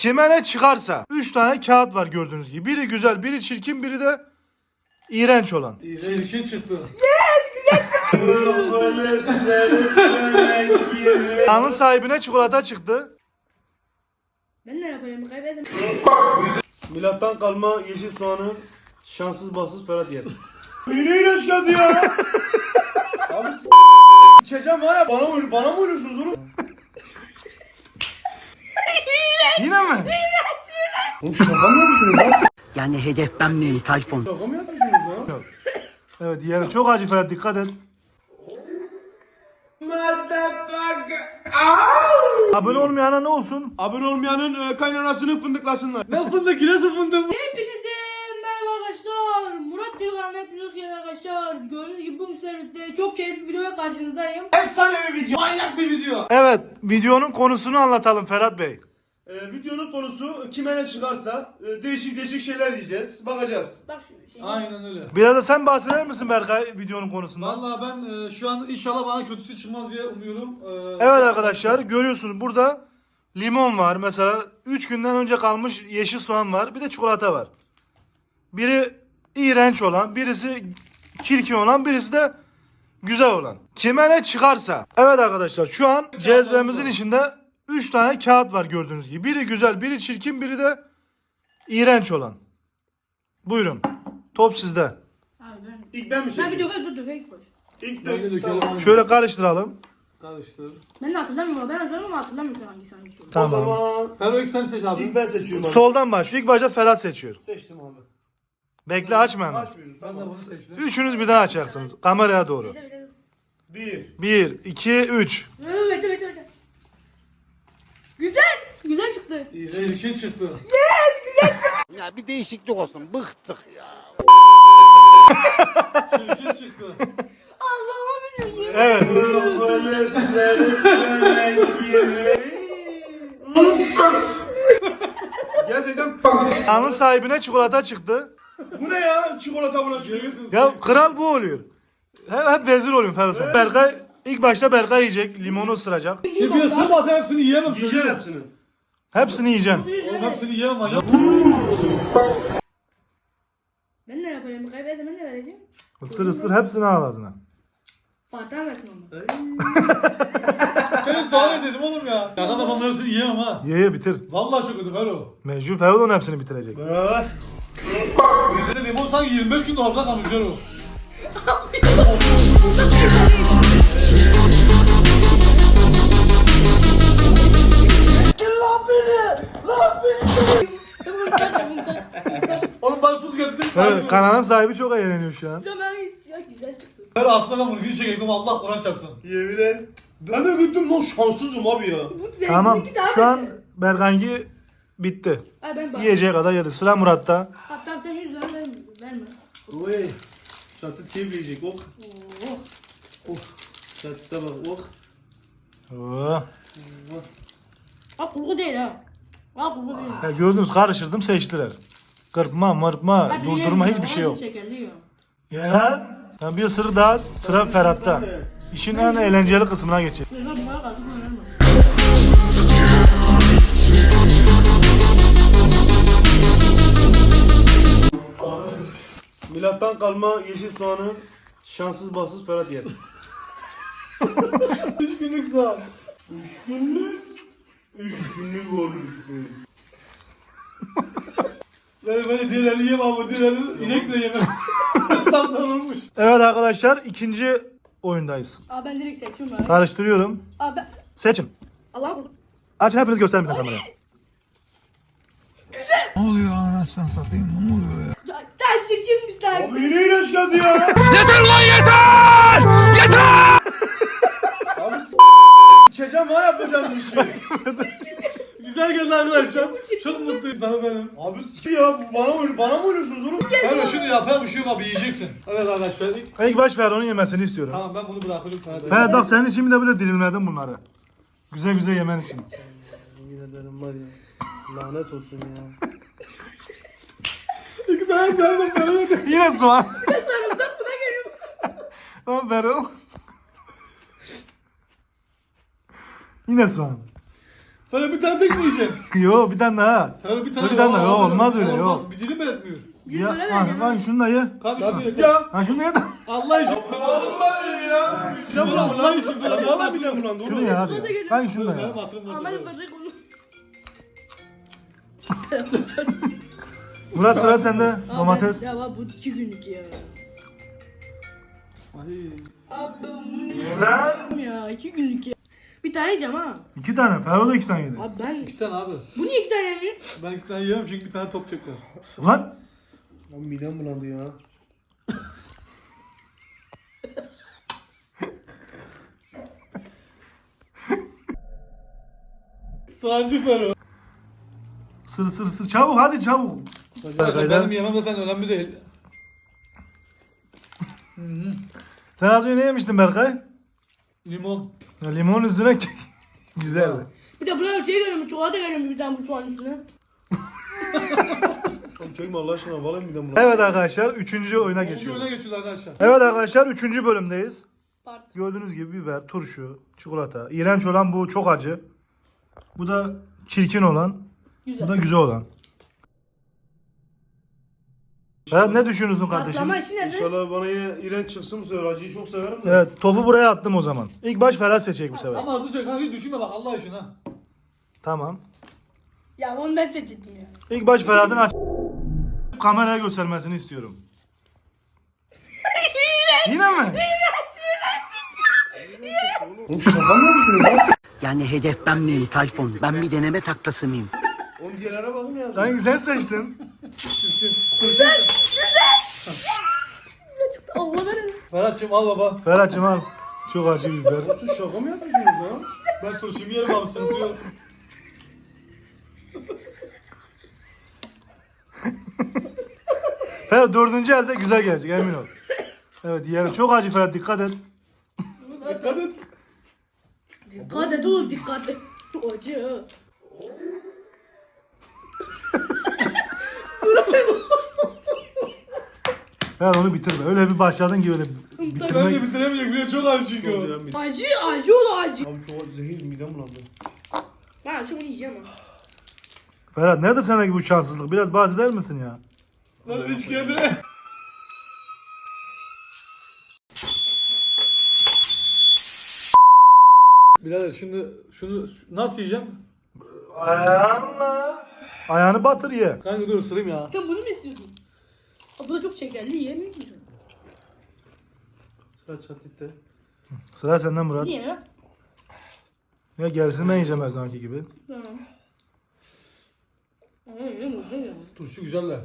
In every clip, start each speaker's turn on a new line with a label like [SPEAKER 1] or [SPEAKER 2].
[SPEAKER 1] Kime ne çıkarsa 3 tane kağıt var gördüğünüz gibi. Biri güzel, biri çirkin, biri de iğrenç olan.
[SPEAKER 2] Çirkin çıktı.
[SPEAKER 1] Kanalın sahibine çikolata çıktı.
[SPEAKER 3] Ben ne yapayım? Kaybetsem.
[SPEAKER 4] Milattan kalma yeşil soğanı şanssız bahtsız Ferhat yer. Yine ilaç geldi ya. Abi s***eceğim var ya, bana mı oynuyorsunuz oğlum?
[SPEAKER 1] Yine mi?
[SPEAKER 4] Oğlum şaka mı yapıyorsunuz lan?
[SPEAKER 5] Yani hedef ben miyim Tayfun?
[SPEAKER 4] Şaka mı yapıyorsunuz lan?
[SPEAKER 1] Evet diğeri çok acı Ferhat, dikkat et. Abone olmayana ne olsun?
[SPEAKER 4] Abone olmayanın kaynanasını fındıklasınlar.
[SPEAKER 2] Ne fındık, nasıl fındık?
[SPEAKER 3] Hepinize merhaba arkadaşlar. Murat TV kanalına hepiniz hoş geldiniz arkadaşlar. Gördüğünüz gibi bu seride çok keyifli bir videoya karşınızdayım.
[SPEAKER 4] Efsane bir video.
[SPEAKER 2] Manyak bir video.
[SPEAKER 1] Evet, videonun konusunu anlatalım Ferhat Bey.
[SPEAKER 4] Videonun konusu kime ne çıkarsa değişik şeyler yiyeceğiz. Bakacağız.
[SPEAKER 3] Bak şu şey.
[SPEAKER 2] Aynen öyle.
[SPEAKER 1] Biraz da sen bahseder misin Berkay videonun konusundan?
[SPEAKER 2] Vallahi ben şu an inşallah bana kötüsü çıkmaz diye umuyorum.
[SPEAKER 1] Evet arkadaşlar, görüyorsunuz burada limon var mesela, 3 günden önce kalmış yeşil soğan var, bir de çikolata var. Biri iğrenç olan, birisi çirkin olan, birisi de güzel olan. Kime ne çıkarsa. Evet arkadaşlar, şu an cezvemizin içinde 3 tane kağıt var gördüğünüz gibi. Biri güzel, biri çirkin, biri de iğrenç olan. Buyurun. Top sizde.
[SPEAKER 3] Abi ben.
[SPEAKER 4] İlk ben mi
[SPEAKER 3] Ben
[SPEAKER 4] çekeyim?
[SPEAKER 3] bir dökeyim koş.
[SPEAKER 4] İlk
[SPEAKER 2] Ben de dökelim.
[SPEAKER 4] Tamam.
[SPEAKER 1] Şöyle karıştıralım.
[SPEAKER 2] Karıştır.
[SPEAKER 3] Ben de hatırlamıyorum. Ben hazırım ama hatırlamıyorum hangisi hangisi.
[SPEAKER 4] O
[SPEAKER 1] Tamam.
[SPEAKER 4] zaman
[SPEAKER 2] Ferro ilk sen seç abi.
[SPEAKER 4] ilk ben seçiyorum abi.
[SPEAKER 1] Soldan başlıyor. İlk başta Ferhat seçiyor.
[SPEAKER 4] Seçtim abi.
[SPEAKER 1] Bekle, açma hemen.
[SPEAKER 4] Açmıyoruz
[SPEAKER 2] Ben de
[SPEAKER 4] tamam.
[SPEAKER 2] bunu seçtim.
[SPEAKER 1] Üçünüz birden açacaksınız. Kameraya doğru.
[SPEAKER 3] Bekle.
[SPEAKER 4] 1.
[SPEAKER 1] 1, 2, 3.
[SPEAKER 3] Bekle. Güzel. Güzel çıktı.
[SPEAKER 2] Çirkin çıktı.
[SPEAKER 5] Ya bir değişiklik olsun. Bıktık ya.
[SPEAKER 2] Çirkin çıktı.
[SPEAKER 3] Allah'ım bilmiyorum.
[SPEAKER 1] Evet.
[SPEAKER 4] Gerçekten
[SPEAKER 1] Kanalın sahibine çikolata çıktı.
[SPEAKER 4] bu ne ya? Çikolata buna çıkıyor.
[SPEAKER 1] Ya kral bu oluyor. Hep vezir oluyor Ferhat sen. Berkay ilk başta Berkay yiyecek. Limonu ısıracak.
[SPEAKER 2] Şimdi bir ısırmasa hepsini yiyemem.
[SPEAKER 4] Yiyeceğim
[SPEAKER 2] söylüyorum.
[SPEAKER 4] hepsini.
[SPEAKER 1] Hepsini yiyeceksin.
[SPEAKER 2] Oğlum hepsini yiyemem manyak.
[SPEAKER 3] Ben ne yapayım? Kaybetsem ben de vereceğim.
[SPEAKER 1] Isır ısır hepsini al ağzına.
[SPEAKER 3] Fatih'e versin onu.
[SPEAKER 2] Senin soğan dedim oğlum ya. Şaka da bunların hepsini yiyemem ha.
[SPEAKER 1] Ye bitir.
[SPEAKER 2] Vallahi çok kötü Ferro.
[SPEAKER 1] Mecbur Ferhat onun hepsini bitirecek.
[SPEAKER 4] Beraber.
[SPEAKER 2] Bizde limon sanki 25 gün dolapta kalmış Ferro.
[SPEAKER 3] Tamam.
[SPEAKER 2] Oğlum bana tuz getirsin.
[SPEAKER 1] Evet, kanalın sahibi çok eğleniyor şu an.
[SPEAKER 3] Tamam. Ya güzel çıktı.
[SPEAKER 2] Ferro aslında ben bunu gün çekecektim Allah Kur'an çarpsın.
[SPEAKER 4] Yemin et. Ben de gittim lan, şanssızım abi ya.
[SPEAKER 3] Bu zevkli
[SPEAKER 1] Tamam.
[SPEAKER 3] ki daha
[SPEAKER 1] Şu an
[SPEAKER 3] beter.
[SPEAKER 1] Berkay'ınki bitti.
[SPEAKER 3] Ay ben bak.
[SPEAKER 1] Yiyeceği kadar yedi. Sıra Murat'ta.
[SPEAKER 3] Hatta sen 100 lira verme.
[SPEAKER 4] Oy. Çatıt keyif yiyecek. Oh.
[SPEAKER 3] Oh.
[SPEAKER 4] Çatıta bak. Oh.
[SPEAKER 1] Oo.
[SPEAKER 3] Ha kurgu değil ha. Ha kurgu değil.
[SPEAKER 1] Ya gördünüz, karıştırdım seçtiler. Kırpma, mırpma,
[SPEAKER 3] Hadi
[SPEAKER 1] durdurma
[SPEAKER 3] yiyelim
[SPEAKER 1] hiçbir
[SPEAKER 3] ya,
[SPEAKER 1] şey yok.
[SPEAKER 3] Şekerli yiyor.
[SPEAKER 1] Ya lan. Sen bir ısırı daha, sıra Ferhat'ta. İşin en eğlenceli kısmına geçecek.
[SPEAKER 3] Ben bana kaldı bunu verme.
[SPEAKER 4] Milattan kalma yeşil soğanı şanssız bahtsız Ferhat yer.
[SPEAKER 2] 3 günlük soğan.
[SPEAKER 4] 3 günlük olmuş.
[SPEAKER 2] Ben de diğerlerini yiyemem ama diğerlerini inek bile yemem. Saptan olmuş.
[SPEAKER 1] Evet arkadaşlar, ikinci oyundayız.
[SPEAKER 3] Aa ben direkt seçiyorum ha.
[SPEAKER 1] Karıştırıyorum.
[SPEAKER 3] Aa ben...
[SPEAKER 1] Seçin.
[SPEAKER 3] Allah korusun.
[SPEAKER 1] Açın, hepiniz gösterin bir kameraya.
[SPEAKER 3] Daha çirkinmiş daha.
[SPEAKER 4] Abi yine ilaç geldi ya. Abi s***eceğim var yapacağınız işi.
[SPEAKER 2] Güzel geldi arkadaşlar. Çok mutluyum sana benim.
[SPEAKER 4] Abi s*** ya, bu bana mı oynuyorsunuz oğlum?
[SPEAKER 2] Ferro şimdi yapar bir şey yok abi yiyeceksin. Evet arkadaşlar.
[SPEAKER 1] İlk baş Ferhat'ın yemesini istiyorum.
[SPEAKER 2] Tamam ben bunu bırakıyorum Ferro.
[SPEAKER 1] Ferhat bak, senin için bir de böyle dilimledim bunları. Güzel güzel yemen için.
[SPEAKER 4] Yemin ederim var ya. Lanet olsun ya.
[SPEAKER 2] İki tane sardım Ferro.
[SPEAKER 1] Yine soğan.
[SPEAKER 3] Sarımsak buna geliyor.
[SPEAKER 1] Lan Ferhat. Yine soğan.
[SPEAKER 2] Ferhat bir tane tek mi yiyeceksin?
[SPEAKER 1] Yo bir tane daha.
[SPEAKER 2] Ferhat bir tane
[SPEAKER 1] Bir tane daha.
[SPEAKER 2] Aa,
[SPEAKER 1] Yo, olmaz öyle,
[SPEAKER 2] olmaz.
[SPEAKER 1] yok.
[SPEAKER 2] Bir dilim mi etmiyor?
[SPEAKER 3] 100
[SPEAKER 1] Ya,
[SPEAKER 3] lira vereceğim.
[SPEAKER 1] kanka şunu da ye.
[SPEAKER 2] Kanka
[SPEAKER 4] Hadi
[SPEAKER 2] şunu
[SPEAKER 4] ya.
[SPEAKER 1] Ha şunu ye de.
[SPEAKER 2] Allah için.
[SPEAKER 4] Vallahi ya.
[SPEAKER 2] Ya bu Allah için.
[SPEAKER 4] Valla midem bulandı.
[SPEAKER 1] Şunu ye abi. Kanka şunu da ye.
[SPEAKER 2] Benim hatırım bozuldu.
[SPEAKER 3] Ahmet'in bırak onu.
[SPEAKER 1] Murat sıra sende. Domates.
[SPEAKER 3] Ya bak bu 2 günlük ya.
[SPEAKER 2] Ay.
[SPEAKER 3] Abi bu ne ya 2 günlük ya. Bir tane yiyeceğim ha.
[SPEAKER 1] 2 tane. Ferhat da 2 tane yedi.
[SPEAKER 3] Abi ben
[SPEAKER 2] İki tane abi.
[SPEAKER 3] bu niye 2 tane yemiyor?
[SPEAKER 2] Ben iki tane yiyemem çünkü bir tane top çeker.
[SPEAKER 1] Ulan.
[SPEAKER 4] Lan midem bulandı ya.
[SPEAKER 2] Soğancı Ferhat.
[SPEAKER 1] Sır. Çabuk hadi çabuk.
[SPEAKER 2] Benim yemem zaten önemli değil.
[SPEAKER 1] Sen az önce ne yemiştin Berkay?
[SPEAKER 2] Limon.
[SPEAKER 1] Ya, limon üstüne güzel.
[SPEAKER 3] Bir de buna şey görüyorum, çikolata görüyorum bir tane bu soğan üstüne.
[SPEAKER 4] Oğlum çekme Allah aşkına. Vallahi midem bulandı.
[SPEAKER 1] Evet arkadaşlar 3. oyuna
[SPEAKER 2] Şimdi öne
[SPEAKER 1] geçiyoruz.
[SPEAKER 2] geçiyorlar arkadaşlar.
[SPEAKER 1] Evet arkadaşlar 3. bölümdeyiz.
[SPEAKER 3] Part.
[SPEAKER 1] Gördüğünüz gibi biber, turşu, çikolata. İğrenç olan bu çok acı. Bu da çirkin olan.
[SPEAKER 3] Güzel.
[SPEAKER 1] Bu da güzel olan. Evet ne düşünüyorsun kardeşim?
[SPEAKER 3] Patlama işi nerede?
[SPEAKER 4] İnşallah bana yine iğrenç çıksın bu sefer. Acıyı çok severim de.
[SPEAKER 1] Evet topu buraya attım o zaman. İlk baş Ferhat seçecek bu sefer.
[SPEAKER 2] Ama hızlı çek kanka düşünme bak Allah için ha.
[SPEAKER 1] Tamam.
[SPEAKER 3] Ya onu ben seçtim ya.
[SPEAKER 1] İlk baş Ferhat'ın aç kameraya göstermesini istiyorum. Yine mi?
[SPEAKER 4] Oğlum şaka mı yapıyorsunuz lan?
[SPEAKER 6] Yani hedef ben miyim Tayfun? Ben bir deneme taklası mıyım?
[SPEAKER 4] Oğlum diğerlere bakın ya.
[SPEAKER 1] Sanki sen seçtin.
[SPEAKER 3] Allah verin.
[SPEAKER 2] Ferhat'cığım al baba.
[SPEAKER 1] Ferhat'cığım al. Çok acı biber.
[SPEAKER 4] Siz şaka mı yapıyorsunuz lan?
[SPEAKER 2] Ben turşumu yerim abi sıkıntı yok.
[SPEAKER 1] Ferhat 4. elde güzel gelecek emin ol. Evet diğeri çok acı Ferhat dikkat et.
[SPEAKER 2] Dikkat et.
[SPEAKER 3] Dikkat et oğlum dikkat et. Acı.
[SPEAKER 1] Ferhat onu bitirme. Öyle bir başladın ki öyle
[SPEAKER 2] Bence
[SPEAKER 1] bitirmek.
[SPEAKER 2] bitiremeyecek biliyor çok acı çünkü o.
[SPEAKER 3] Acı oğlum acı.
[SPEAKER 4] Abi çok zehir midem bulandı.
[SPEAKER 3] Ben şunu yiyeceğim ha.
[SPEAKER 1] Ferhat nerede sendeki bu şanssızlık? Biraz bahseder misin ya?
[SPEAKER 2] Lan üç kere. Birader şimdi şunu nasıl yiyeceğim?
[SPEAKER 1] Ayağınla. Ayağını batır ye.
[SPEAKER 2] Kanka dur ısırayım ya.
[SPEAKER 3] Sen bunu mu istiyordun? Aa, bu da çok şekerli yiyemiyor musun?
[SPEAKER 4] Sıra çatitte.
[SPEAKER 1] Sıra senden Murat.
[SPEAKER 3] Niye ya?
[SPEAKER 1] Ya gerisini ben yiyeceğim her zamanki gibi.
[SPEAKER 3] Tamam. Ama yiyemiyorum.
[SPEAKER 2] Turşu güzeller.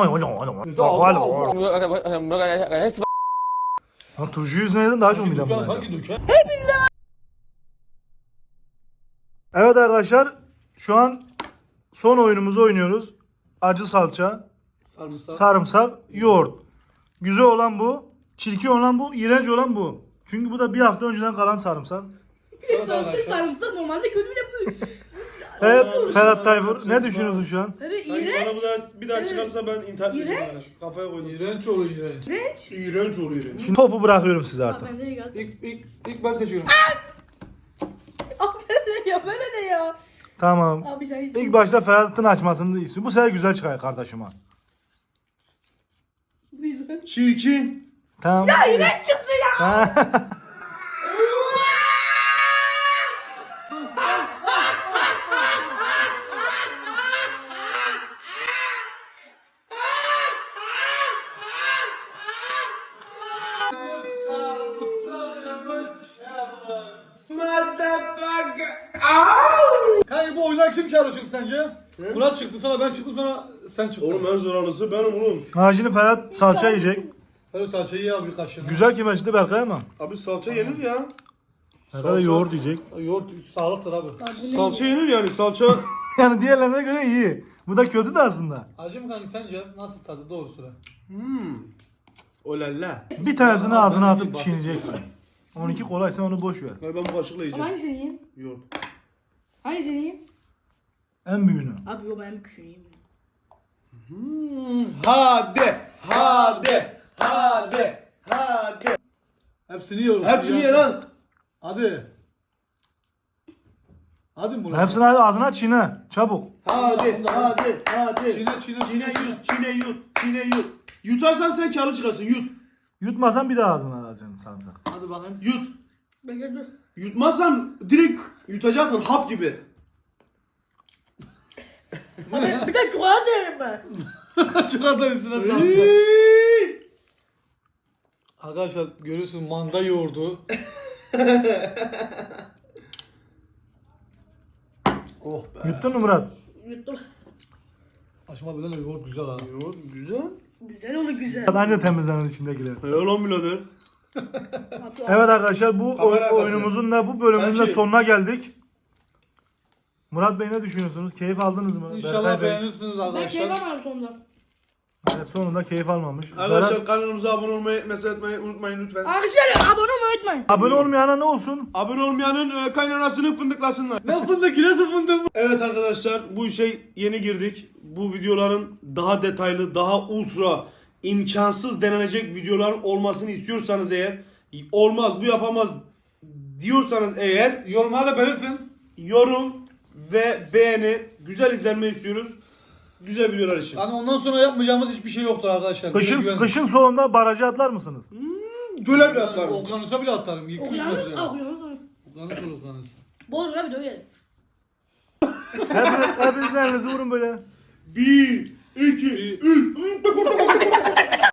[SPEAKER 1] Lan turşu yüzüne yedin daha çok midem
[SPEAKER 2] Dükkan
[SPEAKER 1] bulanacak.
[SPEAKER 2] hangi dükkan?
[SPEAKER 1] Evet arkadaşlar şu an son oyunumuzu oynuyoruz. Acı salça,
[SPEAKER 2] Sarımsak.
[SPEAKER 1] sarımsak, yoğurt. Güzel olan bu, çirkin olan bu, iğrenç olan bu. Çünkü bu da bir hafta önceden kalan sarımsak.
[SPEAKER 3] Bir de sarımsak normalde kötü bile bu.
[SPEAKER 1] Evet Ferhat Tayfur ne düşünüyorsun şu an?
[SPEAKER 3] Evet
[SPEAKER 4] Sanki
[SPEAKER 3] iğrenç.
[SPEAKER 4] bana bu da bir daha çıkarsa ben intihar edeceğim
[SPEAKER 3] İğrenç.
[SPEAKER 4] yani. Kafaya koydum.
[SPEAKER 2] İğrenç olur iğrenç.
[SPEAKER 3] İğrenç.
[SPEAKER 4] İğrenç oluyor.
[SPEAKER 1] Şimdi topu bırakıyorum size
[SPEAKER 3] Aa,
[SPEAKER 1] artık.
[SPEAKER 3] ben de geldim.
[SPEAKER 2] İlk ben seçiyorum.
[SPEAKER 3] Aa böyle ne ya böyle ne ya?
[SPEAKER 1] Tamam.
[SPEAKER 3] Abi sen
[SPEAKER 1] İlk başta Ferhat'ın açmasını istiyorum. Bu sefer güzel çıkar kardeşime.
[SPEAKER 4] Çirkin.
[SPEAKER 1] Tamam.
[SPEAKER 3] Ya iğrenç çıktı ya.
[SPEAKER 2] Kanka bu oyundan kim çalışır sence? Murat çıktı sonra ben çıktım sonra sen çıktın.
[SPEAKER 4] Oğlum en zararlısı benim oğlum.
[SPEAKER 1] Ha şimdi Ferhat salça yiyecek.
[SPEAKER 2] Ferhat salçayı ye abi bir kaşığını.
[SPEAKER 1] Güzel kime açtı Berkay ama.
[SPEAKER 4] Abi salça yenir ya.
[SPEAKER 1] Berkay da yoğurt yiyecek.
[SPEAKER 2] Yoğurt sağlıktır abi.
[SPEAKER 4] Salça yenir yani salça.
[SPEAKER 1] Yani diğerlerine göre iyi. Bu da kötü de aslında.
[SPEAKER 2] Acı mı kanka sence nasıl tadı doğru söyle.
[SPEAKER 4] Olala.
[SPEAKER 1] Bir tanesini ağzına
[SPEAKER 2] ben
[SPEAKER 1] atıp
[SPEAKER 2] bir
[SPEAKER 1] çiğneyeceksin. 12 kolay sen onu boş ver.
[SPEAKER 4] Ben bu kaşıkla yiyeceğim.
[SPEAKER 3] Hangisini yiyeyim?
[SPEAKER 4] Yoğurt.
[SPEAKER 3] Hangisini yiyeyim?
[SPEAKER 1] En büyüğünü.
[SPEAKER 3] Abi yo ben küçüğünü yiyeyim.
[SPEAKER 4] Hadi. Hadi. Hadi. Hadi.
[SPEAKER 2] Hepsini yiyoruz.
[SPEAKER 4] Hepsini ye lan.
[SPEAKER 2] Hadi. Hadi Murat.
[SPEAKER 1] Hepsini ağzına çiğne. Çabuk.
[SPEAKER 4] Hadi.
[SPEAKER 2] Çiğne.
[SPEAKER 4] Çiğne yut. Yutarsan sen karlı çıkarsın. Yut.
[SPEAKER 1] Yutmasan bir daha ağzına alacaksın sarımsak.
[SPEAKER 2] Hadi bakayım.
[SPEAKER 4] Yut.
[SPEAKER 3] Bekle dur.
[SPEAKER 4] Yutmazsan direkt yutacaksın hap gibi.
[SPEAKER 3] Abi bir de çikolata yerim ben.
[SPEAKER 2] Çikolata üstüne sarımsak.
[SPEAKER 4] Iiii.
[SPEAKER 2] Arkadaşlar görüyorsun manda yoğurdu.
[SPEAKER 4] Oh be.
[SPEAKER 1] Yuttun mu Murat?
[SPEAKER 3] Yuttum.
[SPEAKER 2] Aşma bile yoğurt güzel ha.
[SPEAKER 4] Yoğurt güzel.
[SPEAKER 3] Güzel oldu güzel.
[SPEAKER 1] Anca temizlenir içindekiler.
[SPEAKER 4] Helal lan birader.
[SPEAKER 1] Evet arkadaşlar bu
[SPEAKER 4] Kamera arkası.
[SPEAKER 1] oyunumuzun da bu bölümünün de
[SPEAKER 4] Bence-
[SPEAKER 1] sonuna geldik. Murat Bey ne düşünüyorsunuz? Keyif aldınız mı?
[SPEAKER 2] İnşallah
[SPEAKER 1] Berkay Bey,
[SPEAKER 2] beğenirsiniz
[SPEAKER 3] Ben keyif
[SPEAKER 2] arkadaşlar.
[SPEAKER 3] almadım sonunda.
[SPEAKER 1] evet, sonunda keyif almamış.
[SPEAKER 4] Arkadaşlar
[SPEAKER 1] Berat,
[SPEAKER 4] kanalımıza abone olmayı, mesaj etmeyi unutmayın lütfen.
[SPEAKER 3] Arkadaşlar abone olmayı unutmayın.
[SPEAKER 1] abone olmayana ne olsun?
[SPEAKER 4] Abone olmayanın kaynanasını fındıklasınlar.
[SPEAKER 2] Ne fındık nasıl fındık?
[SPEAKER 4] Evet arkadaşlar bu işe yeni girdik. Bu videoların daha detaylı, daha ultra imkansız denenecek videoların olmasını istiyorsanız eğer, olmaz bu yapamaz diyorsanız eğer,
[SPEAKER 2] Yorumlara da belirtin.
[SPEAKER 4] yorum ve beğeni, güzel izlenme istiyoruz. Güzel videolar için.
[SPEAKER 2] Hani ondan sonra yapmayacağımız hiçbir şey yoktur arkadaşlar. Bize güvenin.
[SPEAKER 1] Kışın soğuğunda barajı atlar mısınız?
[SPEAKER 4] Göle bile
[SPEAKER 2] Yani
[SPEAKER 4] atlarım.
[SPEAKER 2] okyanusa bile atarım. 200
[SPEAKER 3] Okyanus
[SPEAKER 2] metre.
[SPEAKER 3] okyanus.
[SPEAKER 2] Okyanus olur okyanus.
[SPEAKER 3] Bozma video gelin.
[SPEAKER 1] Hepiniz elinizi vurun böyle.
[SPEAKER 4] 1, 2, 3.